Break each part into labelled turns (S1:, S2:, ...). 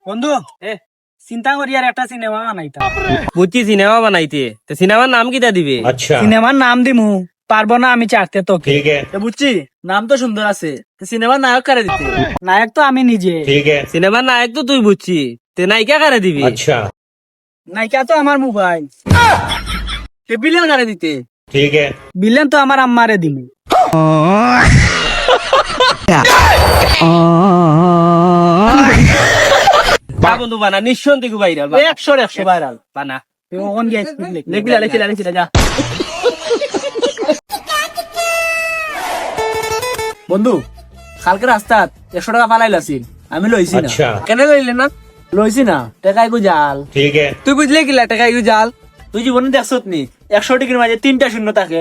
S1: বন্ধু চিন্তা করি আর একটা সিনেমা বানাইতাম।
S2: বুঝছি সিনেমা বানাইতে, তো সিনেমার নাম কিটা দিবে?
S3: अच्छा
S1: সিনেমার নাম দিমু পারবো না আমি চাকতে তোকে।
S3: ठीक है
S1: বুঝছি, নাম তো সুন্দর আছে, সিনেমার নায়ক কারে দিতে? নায়ক তো আমি নিজে।
S3: ठीक है
S2: সিনেমার নায়ক তো তুই বুঝছি, তে নায়িকা কারে দিবি?
S3: अच्छा
S1: নায়িকা তো আমার মোবাইল। বিলেন কারে দিতে?
S3: ठीक है
S1: বিলেন তো আমার আম্মারে দিমু।
S2: বা বন্ধু বানা, নিঃসন্দেহ ভাইরাল
S1: 100 ভাইরাল
S2: বানা।
S1: ওন গেছ লিখলি যা। বন্ধু কালকে রাস্তাত 100 টাকা পালাইলাছিল, আমি লইছি না।
S3: अच्छा
S2: কেন লইলে না?
S1: লইছি না, টাকাই গো জাল।
S3: ठीक है
S2: তুই বুঝলে কি টাকা ইউ জাল?
S1: তুই জীবনে দেখছত নি 100 টিকির মাঝে 3টা শূন্য থাকে?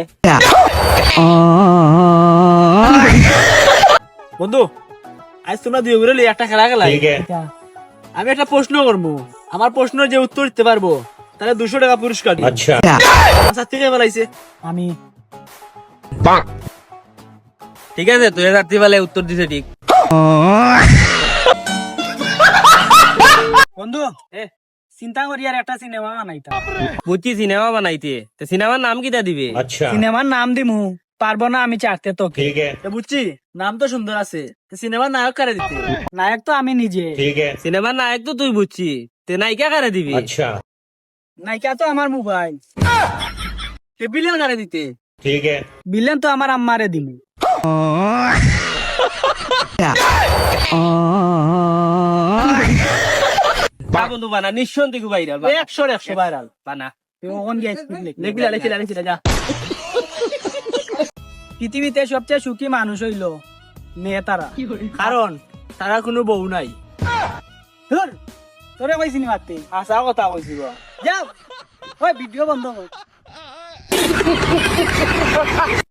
S1: বন্ধু আজ তোমরা দুই ঘুরে একটা খেলা খেলাই।
S3: ठीक है
S1: আমি একটা প্রশ্ন করবো, আমার প্রশ্নের যে উত্তর দিতে পারবো তাহলে 200 টাকা পুরস্কার দিই।
S3: अच्छा
S1: আচ্ছা থেকে বলাইছে আমি।
S2: ঠিক আছে, তুই রাত্রিবেলায় উত্তর দিছে ঠিক।
S1: বন্ধু চিন্তা করি আর একটা সিনেমা বানাইতাম।
S2: বুঝছি সিনেমা বানাইতে, তো সিনেমার নাম কিটা দিবে?
S3: अच्छा
S1: সিনেমার নাম দিমু পারবো না আমি চাকতে তোকে।
S3: ठीक है
S1: বুঝছি, নাম তো সুন্দর আছে, সিনেমার নায়ক কারে দিতে? নায়ক তো আমি নিজে।
S3: ठीक है
S2: সিনেমার নায়ক তো তুই বুঝছি, তে নায়িকা কারে দিবি?
S3: अच्छा
S1: নায়িকা তো আমার মোবাইল। বিলেন কারে দিতে?
S3: ठीक है
S1: বিলেন তো আমার আম্মারে দিমু।
S2: বা বন্ধু বানা, নিঃসন্দেহ ভাইরাল
S1: 100 ভাইরাল
S2: বানা।
S1: ওন গেছ লিখলি যা। পৃথিবীতে সবচেয়ে সুখী মানুষ হইল মেয়ে তারা, কারণ তারা কোনো বউ নাই। ধুর, তোরে কইছি নি মারতে, আসা কথা কইছি গো। যাও ওই ভিডিও বন্ধ কর।